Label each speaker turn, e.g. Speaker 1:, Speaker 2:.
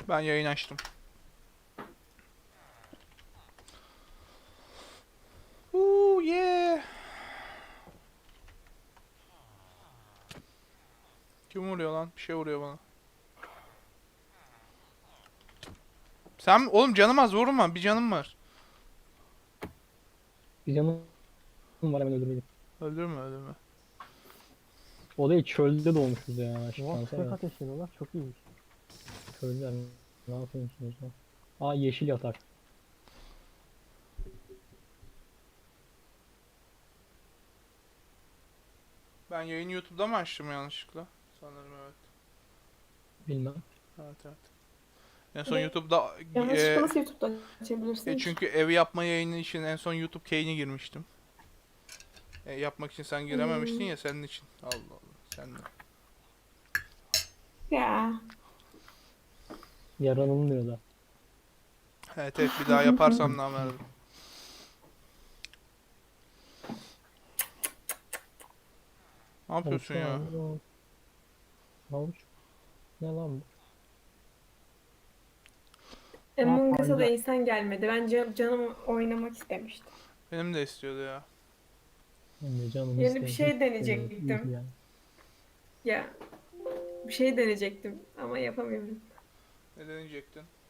Speaker 1: Ben yayın açtım. Yeah. Kim vuruyor lan? Bir şey vuruyor bana. Sen oğlum canım az vurma. Bir canım var.
Speaker 2: Bir canım var, hemen öldüreyim.
Speaker 1: Öldürme öldürme.
Speaker 2: O da çölde doğmuşuz ya.
Speaker 3: Oha,
Speaker 2: Şansa
Speaker 3: tüfek
Speaker 2: bak.
Speaker 3: ateşliyorlar. Çok iyiymiş.
Speaker 2: Çölde ne yapıyorsunuz lan? Aa, yeşil yatak.
Speaker 1: Ben yayını YouTube'da mı açtım yanlışlıkla? Sanırım evet.
Speaker 2: Bilmem.
Speaker 1: Evet evet. En son YouTube'da
Speaker 4: Yanlışlıkla nasıl YouTube'da açabilirsin ki?
Speaker 1: çünkü ev yapma yayını için en son YouTube Kane'e girmiştim. Yapmak için sen girememiştin ya senin için. Allah Allah. Sen de.
Speaker 4: Ya.
Speaker 2: Yaranılmıyor da.
Speaker 1: Evet evet bir daha yaparsam namerdim. Ne yapıyorsun ya?
Speaker 2: Havuç. Ne lan bu?
Speaker 4: Among Us'a da
Speaker 2: pancar.
Speaker 4: insan gelmedi. Bence canım oynamak istemişti.
Speaker 1: Benim de istiyordu ya.
Speaker 2: Ben de canım
Speaker 4: Yeni bir
Speaker 2: istedim.
Speaker 4: şey
Speaker 2: İyi
Speaker 4: deneyecektim.
Speaker 2: yani.
Speaker 4: Ya bir şey deneyecektim ama yapamıyorum.
Speaker 1: Ne deneyecektin?